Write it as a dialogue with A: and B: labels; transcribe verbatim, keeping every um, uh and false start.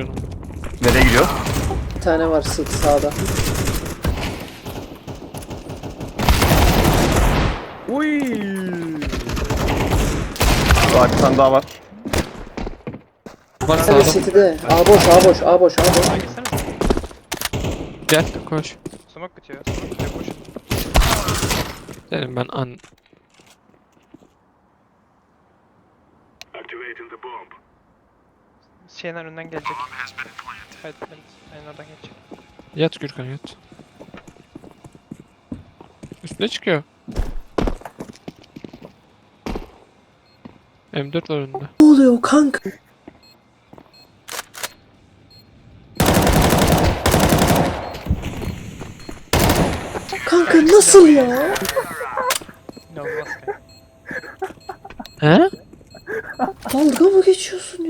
A: canım.
B: Nereye gidiyor?
C: Bir tane var sık sağda.
D: Uy.
B: Var bir tane daha var.
A: Var
C: Hadi
A: sağda.
C: City'de. A boş, A boş, A boş, A boş.
E: Sağa gitsene.
A: Gel koş.
E: Smoke bitiyor. Smoke bitiyor. Koş.
A: Dedim ben an...
E: Şeyden önden gelecek. Evet, evet. Aynen oradan gelecek.
A: Yat Gürkan yat. Üstüne çıkıyor. M dört var önünde.
C: Ne oluyor kanka? Kanka nasıl ya?
E: İnanılmaz ki.
A: He?
C: Dalga mı geçiyorsun